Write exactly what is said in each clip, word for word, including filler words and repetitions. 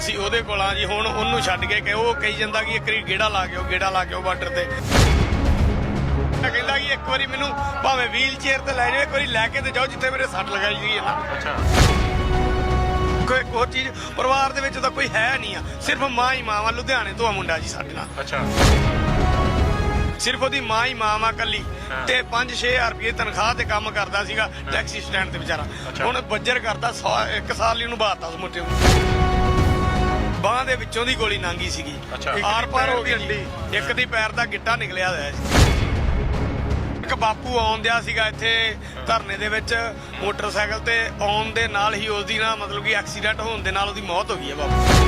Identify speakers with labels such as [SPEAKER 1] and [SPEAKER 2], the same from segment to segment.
[SPEAKER 1] ਅਸੀਂ ਉਹਦੇ ਕੋਲ ਆ ਜੀ। ਹੁਣ ਉਹਨੂੰ ਛੱਡ ਕੇ ਕਿ ਉਹ ਕਹੀ ਜਾਂਦਾ ਕਿ ਇੱਕ ਵਾਰੀ ਗੇੜਾ ਲਾ ਕੇ ਆਓ, ਗੇੜਾ ਲਾ ਕੇ ਆਓ ਬਾਰਡਰ ਤੇ। ਕਹਿੰਦਾ ਕਿ ਇੱਕ ਵਾਰੀ ਮੈਨੂੰ ਭਾਵੇਂ ਵੀਲ ਚੇਅਰ ਤੇ ਲੈ ਜਾਓ, ਇੱਕ ਵਾਰੀ ਲੈ ਕੇ ਤੇ ਜਾਓ ਜਿੱਥੇ ਮੇਰੇ ਸੱਟ ਲਗਾਈ ਗਈ ਹੈ ਨਾ।
[SPEAKER 2] ਅੱਛਾ,
[SPEAKER 1] ਕੋਈ ਹੋਰ ਚੀਜ਼ ਪਰਿਵਾਰ ਦੇ ਵਿੱਚ ਤਾਂ ਕੋਈ ਹੈ ਨਹੀਂ ਆ, ਸਿਰਫ ਮਾਂ ਹੀ ਮਾਂ ਵਾ। ਲੁਧਿਆਣੇ ਤੋਂ ਆ ਮੁੰਡਾ ਜੀ ਸਾਡੇ ਨਾਲ,
[SPEAKER 2] ਅੱਛਾ,
[SPEAKER 1] ਸਿਰਫ ਉਹਦੀ ਮਾਂ ਹੀ ਮਾਂ ਵਾ ਕੱਲੀ, ਤੇ ਪੰਜ ਛੇ ਹਜ਼ਾਰ ਰੁਪਏ ਤਨਖਾਹ ਤੇ ਕੰਮ ਕਰਦਾ ਸੀਗਾ ਟੈਕਸੀ ਸਟੈਂਡ ਤੇ ਵਿਚਾਰਾ। ਹੁਣ ਬੱਜਰ ਕਰਦਾ ਇੱਕ ਸਾਲ ਲਈ ਉਹਨੂੰ ਬਾਤਾ ਉਸ ਮੁੰਡੇ ਨੂੰ। ਬਾਂਹ ਦੇ ਵਿੱਚੋਂ ਦੀ ਗੋਲੀ ਲੰਘੀ ਸੀਗੀ, ਆਰ ਪਾਰ ਹੋ ਗਈ ਜੀ। ਇੱਕ ਦੀ ਪੈਰ ਦਾ ਗਿੱਟਾ ਨਿਕਲਿਆ ਹੋਇਆ ਸੀ। ਇੱਕ ਬਾਪੂ ਆਉਂਦਿਆ ਸੀਗਾ ਇੱਥੇ ਧਰਨੇ ਦੇ ਵਿੱਚ ਮੋਟਰਸਾਈਕਲ ਤੇ, ਆਉਣ ਦੇ ਨਾਲ ਹੀ ਉਹਦੀ ਨਾ ਮਤਲਬ ਕਿ ਐਕਸੀਡੈਂਟ ਹੋਣ ਦੇ ਨਾਲ ਉਹਦੀ ਮੌਤ ਹੋ ਗਈ ਹੈ ਬਾਪੂ।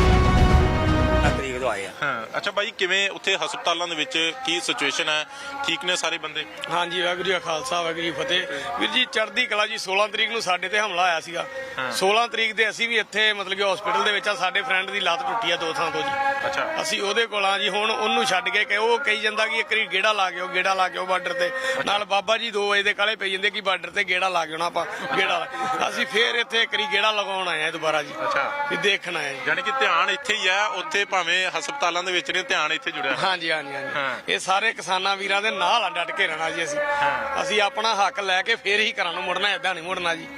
[SPEAKER 3] ਤਰੀਕ ਤੋਂ ਆਏ ਆ।
[SPEAKER 2] ਹਾਂ, ਅੱਛਾ ਬਾਈ, ਕਿਵੇਂ ਉੱਥੇ ਹਸਪਤਾਲਾਂ ਦੇ ਵਿੱਚ ਕੀ ਸਿਚੁਏਸ਼ਨ ਹੈ? ਠੀਕ ਨੇ ਸਾਰੇ ਬੰਦੇ?
[SPEAKER 1] ਹਾਂਜੀ, ਵਾਹਿਗੁਰੂ ਜੀ ਕਾ ਖਾਲਸਾ ਵਾਹਿਗੁਰੂ ਜੀ ਕੀ ਫਤਿਹ। ਵੀਰ ਜੀ ਚੜ੍ਹਦੀ ਕਲਾ ਜੀ। ਸੋਲਾਂ ਤਰੀਕ ਨੂੰ ਸਾਡੇ ਤੇ ਹਮਲਾ ਆਇਆ ਸੀਗਾ। ਸੋਲਾਂ ਤਰੀਕ ਤੇ ਅਸੀਂ ਵੀ ਇੱਥੇ ਮਤਲਬ ਕਿ ਹਸਪੀਟਲ ਦੇ ਵਿੱਚ ਆ। ਸਾਡੇ ਫਰੈਂਡ ਦੀ ਲੱਤ ਟੁੱਟੀ ਆ ਦੋ ਥਾਂ ਤੋਂ ਜੀ।
[SPEAKER 2] ਅੱਛਾ,
[SPEAKER 1] ਅਸੀਂ ਉਹਦੇ ਕੋਲ ਆ ਜੀ। ਹੁਣ ਉਹਨੂੰ ਛੱਡ ਕੇ ਕਿ ਉਹ ਕਹੀ ਜਾਂਦਾ ਕਿ ਇੱਕ ਵਾਰੀ ਗੇੜਾ ਲਾ ਕੇ ਆਓ, ਗੇੜਾ ਲਾ ਕੇ ਆਓ ਬਾਰਡਰ ਤੇ। ਨਾਲ ਬਾਬਾ ਜੀ ਦੋ ਵਜੇ ਦੇ ਕਾਲੇ ਪਈ ਜਾਂਦੇ ਕਿ ਬਾਰਡਰ ਤੇ ਗੇੜਾ ਲਾ ਕੇ ਆਉਣਾ ਆਪਾਂ, ਗੇੜਾ। ਅਸੀਂ ਫੇਰ ਇੱਥੇ ਇੱਕ ਵਾਰੀ ਗੇੜਾ ਲਗਾਉਣ ਆਏ ਆ ਦੁਬਾਰਾ ਜੀ।
[SPEAKER 2] ਅੱਛਾ,
[SPEAKER 1] ਵੀ ਦੇਖਣ ਆਏ।
[SPEAKER 2] ਯਾਨੀ ਕਿ ਧਿਆਨ ਇੱਥੇ ਹੀ ਆ, ਉੱਥੇ ਭਾਵੇਂ ਹਸਪਤਾਲਾਂ ਦੇ ਵਿੱਚ ਨੇ, ਧਿਆਨ ਇੱਥੇ ਜੁੜਿਆ।
[SPEAKER 1] ਹਾਂਜੀ ਹਾਂਜੀ ਹਾਂਜੀ, ਇਹ ਸਾਰੇ ਕਿਸਾਨਾਂ ਵੀਰਾਂ ਦੇ ਨਾਲ ਆ ਡਟ ਕੇ ਰਹਿਣਾ ਜੀ। ਅਸੀਂ ਅਸੀਂ ਆਪਣਾ ਹੱਕ ਲੈ ਕੇ ਫੇਰ ਹੀ ਘਰਾਂ ਨੂੰ ਮੁੜਨਾ, ਏਦਾਂ ਨਹੀਂ ਮੁੜਨਾ ਜੀ।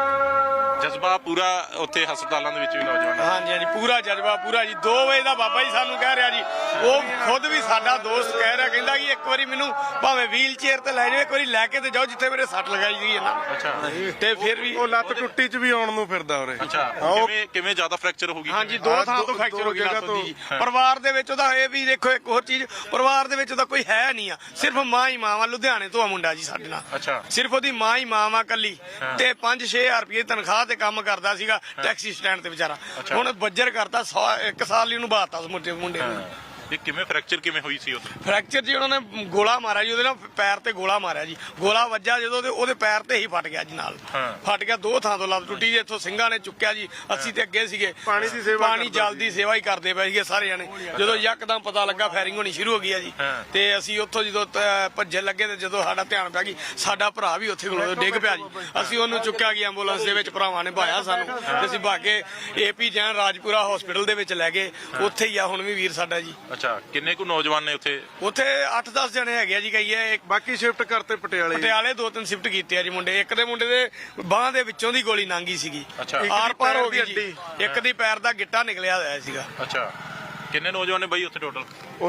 [SPEAKER 2] ਜਜ਼ਬਾ ਪੂਰਾ ਉੱਥੇ ਹਸਪਤਾਲਾਂ ਦੇ ਵਿੱਚ ਵੀ ਨੌਜਵਾਨ।
[SPEAKER 1] ਹਾਂਜੀ ਹਾਂਜੀ, ਪੂਰਾ ਜਜ਼ਬਾ ਪੂਰਾ ਜੀ। ਦੋ ਵਜੇ ਦਾ ਬਾਬਾ ਜੀ ਸਾਨੂੰ ਕਹਿ ਰਿਹਾ ਜੀ। ਉਹ ਖੁਦ ਵੀ ਸਾਡਾ ਦੋਸਤ ਕਹਿ ਰਿਹਾ, ਕਹਿੰਦਾ ਕਿ ਇੱਕ ਵਾਰੀ ਮੈਨੂੰ ਭਾਵੇਂ ਵੀਲ ਚੇਅਰ ਤੇ ਲੈ ਜਾਓ, ਇੱਕ ਵਾਰੀ ਲੈ ਕੇ ਤੇ ਜਾਓ ਜਿੱਥੇ ਮੇਰੇ ਸੱਟ ਲਗਾਈ ਗਈ ਹੈ ਨਾ।
[SPEAKER 2] ਅੱਛਾ,
[SPEAKER 1] ਤੇ ਫਿਰ ਵੀ
[SPEAKER 4] ਉਹ ਲੱਤ ਟੁੱਟੀ ਚ ਵੀ ਆਉਣ ਨੂੰ ਫਿਰਦਾ ਉਰੇ।
[SPEAKER 2] ਅੱਛਾ, ਕਿਵੇਂ ਕਿਵੇਂ ਜ਼ਿਆਦਾ ਫ੍ਰੈਕਚਰ ਹੋ ਗਈ?
[SPEAKER 1] ਹਾਂਜੀ, ਦੋ ਥਾਂ ਤੋਂ ਫ੍ਰੈਕਚਰ ਹੋ ਗਈ ਲੱਤ ਦੀ। ਪਰਿਵਾਰ ਦੇ ਵਿੱਚ ਉਹਦਾ ਇਹ ਵੀ ਦੇਖੋ, ਇੱਕ ਹੋਰ ਚੀਜ਼ ਪਰਿਵਾਰ ਦੇ ਵਿੱਚ ਉਹਦਾ ਕੋਈ ਹੈ ਨਹੀਂ ਆ, ਸਿਰਫ ਮਾਂ ਹੀ ਮਾਂ ਵਾ। ਲੁਧਿਆਣੇ ਤੋਂ ਆ ਮੁੰਡਾ ਜੀ ਸਾਡੇ ਨਾਲ,
[SPEAKER 2] ਅੱਛਾ,
[SPEAKER 1] ਸਿਰਫ ਉਹਦੀ ਮਾਂ ਹੀ ਮਾਂ ਵਾ ਕੱਲੀ, ਤੇ ਪੰਜ ਛੇ ਹਜ਼ਾਰ ਰੁਪਏ ਤਨਖਾਹ ਤੇ ਕੰਮ ਕਰਦਾ ਸੀਗਾ ਟੈਕਸੀ ਸਟੈਂਡ ਤੇ ਵਿਚਾਰਾ। ਹੁਣ ਬੱਜਰ ਕਰਦਾ ਇੱਕ ਸਾਲ ਲਈ ਉਹਨੂੰ ਬਾਤਾ ਉਸ ਮੁੰਡੇ ਮੁੰਡੇ ਨੂੰ।
[SPEAKER 2] ਇਹ ਕਿਵੇਂ ਫ੍ਰੈਕਚਰ ਕਿਵੇਂ ਹੋਈ ਸੀ ਉੱਥੇ?
[SPEAKER 1] ਫ੍ਰੈਕਚਰ ਜੀ ਉਹਨਾਂ ਨੇ ਗੋਲਾ ਮਾਰਿਆ ਜੀ, ਉਹਦੇ ਨਾਲ ਪੈਰ ਤੇ ਗੋਲਾ ਮਾਰਿਆ ਜੀ। ਗੋਲਾ ਵੱਜਾ ਜਦੋਂ ਤੇ ਉਹਦੇ ਪੈਰ ਤੇ ਹੀ ਫਟ ਗਿਆ ਜੀ, ਨਾਲ ਫਟ ਗਿਆ। ਦੋ ਥਾਂ ਤੋਂ ਲੱਤ ਟੁੱਟੀ ਜੀ। ਇੱਥੋਂ ਸਿੰਘਾਂ ਨੇ ਚੁੱਕਿਆ ਜੀ। ਅਸੀਂ ਤੇ ਅੱਗੇ ਸੀਗੇ,
[SPEAKER 4] ਪਾਣੀ ਦੀ ਸੇਵਾ
[SPEAKER 1] ਪਾਣੀ ਜਲ ਦੀ ਸੇਵਾ ਹੀ ਕਰਦੇ ਪਏ ਸੀਗੇ ਸਾਰੇ ਜਣੇ। ਜਦੋਂ ਯਕਦਮ ਪਤਾ ਲੱਗਾ ਫਾਇਰਿੰਗ ਹੋਣੀ ਸ਼ੁਰੂ ਹੋ ਗਈ ਆ ਜੀ, ਤੇ ਅਸੀਂ ਉੱਥੋਂ ਜਦੋਂ ਭੱਜਣ ਲੱਗੇ ਤੇ ਜਦੋਂ ਸਾਡਾ ਧਿਆਨ ਪਿਆ ਕਿ ਸਾਡਾ ਭਰਾ ਵੀ ਉੱਥੇ ਕੋਲ ਡਿੱਗ ਪਿਆ ਜੀ, ਅਸੀਂ ਉਹਨੂੰ ਚੁੱਕਿਆ ਗਿਆ ਐਂਬੂਲੈਂਸ ਦੇ ਵਿੱਚ। ਭਰਾਵਾਂ ਨੇ ਭਾਇਆ ਸਾਨੂੰ, ਤੇ ਅਸੀਂ ਭਾਗੇ ਏਪੀ ਜੈਨ ਰਾਜਪੁਰਾ ਹਸਪੀਟਲ ਦੇ ਵਿੱਚ ਲੈ ਗਏ। ਉੱਥੇ ਹੀ ਆ ਹੁਣ ਵੀ ਵੀਰ ਸਾਡਾ ਜੀ।
[SPEAKER 2] ਅੱਛਾ, ਕਿੰਨੇ ਕੁ ਨੌਜਵਾਨ ਨੇ ਉੱਥੇ?
[SPEAKER 1] ਉੱਥੇ ਅੱਠ ਦਸ ਜਣੇ ਹੈਗੇ ਆ ਜੀ। ਕਹੀਏ
[SPEAKER 4] ਬਾਕੀ ਸ਼ਿਫਟ ਕਰਤੇ ਪਟਿਆਲੇ।
[SPEAKER 1] ਪਟਿਆਲੇ ਦੋ ਤਿੰਨ ਸ਼ਿਫਟ ਕੀਤੇ ਆ ਜੀ ਮੁੰਡੇ। ਇੱਕ ਦੇ ਮੁੰਡੇ ਦੇ ਬਾਂਹ ਦੇ ਵਿੱਚੋਂ ਦੀ ਗੋਲੀ ਲੰਘੀ ਸੀਗੀ, ਆਰ ਪਾਰ ਹੋ ਗਈ ਜੀ। ਇੱਕ ਦੀ ਪੈਰ ਦਾ ਗਿੱਟਾ ਨਿਕਲਿਆ ਹੋਇਆ ਸੀਗਾ।
[SPEAKER 2] ਅੱਛਾ, ਕਿੰਨੇ ਨੌਜਵਾਨ ਨੇ ਬਾਈ ਉੱਥੇ ਟੋਟਲ?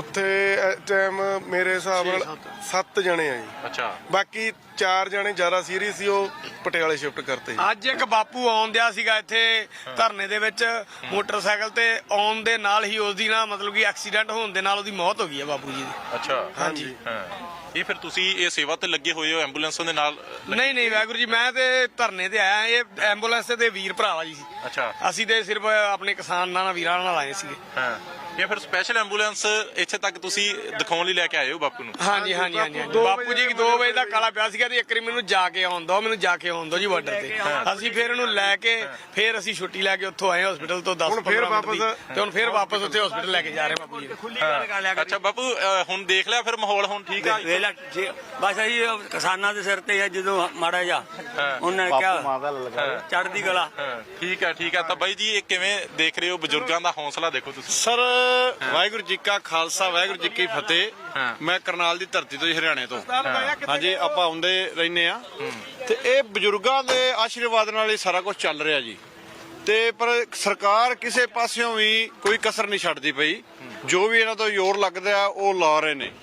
[SPEAKER 4] ਉੱਥੇ ਟਾਈਮ ਮੇਰੇ ਹਿਸਾਬ ਨਾਲ ਸੱਤ ਜਣੇ ਆ ਜੀ।
[SPEAKER 2] ਅੱਛਾ,
[SPEAKER 4] ਬਾਕੀ ਚਾਰ ਜਣੇ ਜ਼ਿਆਦਾ ਸੀਰੀਅਸ ਸੀ, ਉਹ ਪਟਿਆਲੇ ਸ਼ਿਫਟ ਕਰਤੇ।
[SPEAKER 1] ਅੱਜ ਇੱਕ ਬਾਪੂ ਆਉਂਦਿਆ ਸੀਗਾ ਇੱਥੇ ਧਰਨੇ ਦੇ ਵਿੱਚ ਮੋਟਰਸਾਈਕਲ ਤੇ, ਆਉਣ ਦੇ ਨਾਲ ਹੀ ਉਹਦੀ ਨਾ ਮਤਲਬ ਕਿ ਐਕਸੀਡੈਂਟ ਹੋਣ ਦੇ ਨਾਲ ਉਹਦੀ ਮੌਤ ਹੋ ਗਈ ਹੈ ਬਾਪੂ ਜੀ ਦੀ।
[SPEAKER 2] ਅੱਛਾ,
[SPEAKER 1] ਹਾਂਜੀ।
[SPEAKER 2] ਹਾਂ, ਇਹ ਫਿਰ ਤੁਸੀਂ ਇਹ ਸੇਵਾ ਤੇ ਲੱਗੇ ਹੋਏ ਹੋ ਐਂਬੂਲੈਂਸਾਂ ਦੇ ਨਾਲ?
[SPEAKER 1] ਨਹੀਂ ਨਹੀਂ ਵਾਹਿਗੁਰੂ ਜੀ, ਮੈਂ ਤੇ ਧਰਨੇ ਤੇ ਆਇਆ। ਇਹ ਐਂਬੂਲੈਂਸ ਤੇ ਵੀਰ ਭਰਾਵਾ ਜੀ।
[SPEAKER 2] ਅੱਛਾ,
[SPEAKER 1] ਅਸੀਂ ਤੇ ਸਿਰਫ ਆਪਣੇ ਕਿਸਾਨਾਂ ਨਾਲ ਵੀਰਾਂ ਨਾਲ ਆਏ ਸੀਗੇ।
[SPEAKER 2] ਹਾਂ, ਇਹ ਫਿਰ ਸਪੈਸ਼ਲ ਐਂਬੂਲੈਂਸ ਇੱਥੇ ਤੱਕ ਤੁਸੀਂ ਦਿਖਾਉਣ ਲਈ ਲੈ ਕੇ ਆਏ ਹੋ ਬਾਪੂ ਨੂੰ?
[SPEAKER 1] ਹਾਂਜੀ ਹਾਂਜੀ ਹਾਂਜੀ। ਬਾਪੂ ਜੀ ਦੋ ਵਜੇ ਦਾ ਕਾਲਾ ਪਿਆ ਸੀਗਾ, ਤੇ ਇੱਕ ਵਾਰੀ ਮੈਨੂੰ ਜਾ ਕੇ ਆਉਣ ਦੋ, ਮੈਨੂੰ ਜਾ ਕੇ ਆਉਣ ਦੋ ਜੀ ਬਾਰਡਰ ਤੇ। ਅਸੀਂ ਫਿਰ ਇਹਨੂੰ ਲੈ ਕੇ ਫਿਰ ਅਸੀਂ ਛੁੱਟੀ ਲੈ ਕੇ ਉੱਥੋਂ ਆਏ ਹਸਪੀਟਲ ਤੋਂ ਦਸ ਪੰਦਰਾਂ ਮਿੰਟ ਦੀ, ਤੇ ਹੁਣ ਫਿਰ ਵਾਪਸ ਉੱਥੇ ਹਸਪੀਟਲ ਲੈ ਕੇ ਜਾ ਰਹੇ ਬਾਪੂ ਜੀ।
[SPEAKER 2] ਅੱਛਾ ਬਾਪੂ, ਅ, ਹੁਣ ਦੇਖ ਲਿਆ ਫਿਰ ਮਾਹੌਲ ਹੁਣ ਠੀਕ ਆ?
[SPEAKER 3] ਬਸ ਅਸੀਂ ਕਿਸਾਨਾਂ ਦੇ ਸਿਰ ਤੇ ਆ, ਜਦੋਂ ਮਾੜਾ ਜਾ ਉਹਨਾਂ ਨੇ ਕਿਹਾ ਚੜ੍ਹਦੀ ਕਲਾ।
[SPEAKER 2] ਠੀਕ ਹੈ ਠੀਕ ਹੈ। ਤਾਂ ਬਾਈ ਜੀ, ਇਹ ਕਿਵੇਂ ਦੇਖ ਰਹੇ ਹੋ? ਬਜ਼ੁਰਗਾਂ ਦਾ ਹੌਸਲਾ ਦੇਖੋ ਤੁਸੀਂ।
[SPEAKER 5] ਸਰ, ਵਾਹਿਗੁਰੂ ਜੀ ਕਾ ਖਾਲਸਾ ਵਾਹਿਗੁਰੂ ਜੀ ਕੀ ਫਤਿਹ। ਮੈਂ ਕਰਨਾਲ ਦੀ ਧਰਤੀ ਤੋਂ, ਹਰਿਆਣੇ ਤੋਂ। ਹਾਂਜੀ, ਆਪਾਂ ਆਉਂਦੇ ਰਹਿੰਦੇ ਆ, ਤੇ ਇਹ ਬਜ਼ੁਰਗਾਂ ਦੇ ਆਸ਼ੀਰਵਾਦ ਨਾਲ ਹੀ ਸਾਰਾ ਕੁਝ ਚੱਲ ਰਿਹਾ ਜੀ। ਤੇ ਪਰ ਸਰਕਾਰ ਕਿਸੇ ਪਾਸਿਓਂ ਵੀ ਕੋਈ ਕਸਰ ਨਹੀਂ ਛੱਡਦੀ ਪਈ। ਜੋ ਵੀ ਇਹਨਾਂ ਤੋਂ ਜ਼ੋਰ ਲੱਗਦਾ ਆ ਉਹ ਲਾ ਰਹੇ ਨੇ।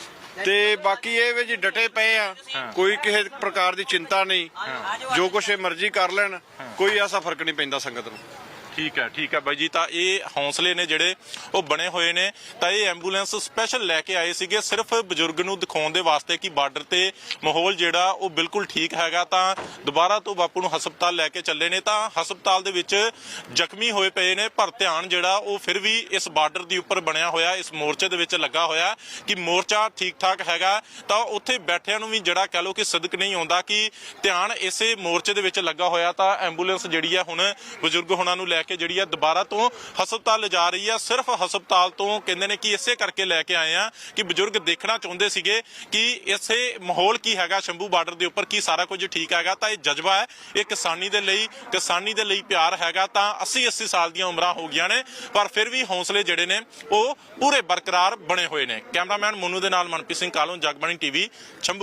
[SPEAKER 5] ਤੇ ਬਾਕੀ ਇਹ ਵੀ ਜੀ ਡਟੇ ਪਏ ਆ, ਕੋਈ ਕਿਸੇ ਪ੍ਰਕਾਰ ਦੀ ਚਿੰਤਾ ਨਹੀਂ। ਜੋ ਕੁਛ ਇਹ ਮਰਜ਼ੀ ਕਰ ਲੈਣ, ਕੋਈ ਐਸਾ ਫਰਕ ਨਹੀਂ ਪੈਂਦਾ ਸੰਗਤ ਨੂੰ।
[SPEAKER 2] ਠੀਕ ਹੈ ਠੀਕ ਹੈ ਬਾਈ ਜੀ। ਤਾਂ ਇਹ ਹੌਸਲੇ ਨੇ ਜਿਹੜੇ ਉਹ ਬਣੇ ਹੋਏ ਨੇ। ਤਾਂ ਇਹ ਐਂਬੂਲੈਂਸ ਸਪੈਸ਼ਲ ਲੈ ਕੇ ਆਏ ਸੀਗੇ ਸਿਰਫ ਬਜ਼ੁਰਗ ਨੂੰ ਦਿਖਾਉਣ ਦੇ ਵਾਸਤੇ ਕਿ ਬਾਰਡਰ ਤੇ ਮਾਹੌਲ ਜਿਹੜਾ ਉਹ ਬਿਲਕੁਲ ਠੀਕ ਹੈਗਾ। ਤਾਂ ਦੁਬਾਰਾ ਤੋਂ ਬਾਪੂ ਨੂੰ ਹਸਪਤਾਲ ਲੈ ਕੇ ਚੱਲੇ ਨੇ। ਤਾਂ ਹਸਪਤਾਲ ਦੇ ਵਿੱਚ ਜ਼ਖਮੀ ਹੋਏ ਪਏ ਨੇ, ਪਰ ਧਿਆਨ ਜਿਹੜਾ ਉਹ ਫਿਰ ਵੀ ਇਸ ਬਾਰਡਰ ਦੇ ਉੱਪਰ ਬਣਿਆ ਹੋਇਆ, ਇਸ ਮੋਰਚੇ ਦੇ ਵਿੱਚ ਲੱਗਾ ਹੋਇਆ ਕਿ ਮੋਰਚਾ ਠੀਕ ਠਾਕ ਹੈਗਾ। ਤਾਂ ਉੱਥੇ ਬੈਠਿਆਂ ਨੂੰ ਵੀ ਜਿਹੜਾ ਕਹਿ ਲਓ ਕਿ ਸਦਕ ਨਹੀਂ ਆਉਂਦਾ ਕਿ ਧਿਆਨ ਇਸੇ ਮੋਰਚੇ ਦੇ ਵਿੱਚ ਲੱਗਾ ਹੋਇਆ। ਤਾਂ ਐਂਬੂਲੈਂਸ ਜਿਹੜੀ ਆ ਹੁਣ ਬਜ਼ੁਰਗ ਹੁਣਾਂ ਨੂੰ ਲੈ ਕੇ ਜਿਹੜੀ ਹੈ ਦੁਬਾਰਾ ਤੋਂ ਹਸਪਤਾਲ ਲਿਜਾ ਰਹੀ ਹੈ। ਸਿਰਫ ਹਸਪਤਾਲ ਤੋਂ ਕਹਿੰਦੇ ਨੇ ਕਿ ਇਸੇ ਕਰਕੇ ਲੈ ਕੇ ਆਏ ਆ ਕਿ ਬਜ਼ੁਰਗ ਦੇਖਣਾ ਚਾਹੁੰਦੇ ਸੀਗੇ ਕਿ ਇਸੇ ਮਾਹੌਲ ਕੀ ਹੈਗਾ ਸ਼ੰਭੂ ਬਾਰਡਰ ਦੇ ਉੱਪਰ, ਕੀ ਸਾਰਾ ਕੁਝ ਠੀਕ ਹੈਗਾ। ਤਾਂ ਇਹ ਜਜ਼ਬਾ ਹੈ, ਇਹ ਕਿਸਾਨੀ ਦੇ ਲਈ ਕਿਸਾਨੀ ਦੇ ਲਈ ਪਿਆਰ ਹੈਗਾ। ਤਾਂ ਅੱਸੀ ਅੱਸੀ ਸਾਲ ਦੀਆਂ ਉਮਰਾਂ ਹੋ ਗਈਆਂ ਨੇ, ਪਰ ਫਿਰ ਵੀ ਹੌਸਲੇ ਜਿਹੜੇ ਨੇ ਉਹ ਪੂਰੇ ਬਰਕਰਾਰ ਬਣੇ ਹੋਏ ਨੇ। ਕੈਮਰਾਮੈਨ ਮੋਨੂ ਦੇ ਨਾਲ ਮਨਪ੍ਰੀਤ ਸਿੰਘ ਕਾਲੋਂ, ਜਗਬਾਣੀ ਟੀਵੀ, ਸ਼ੰਭੂ।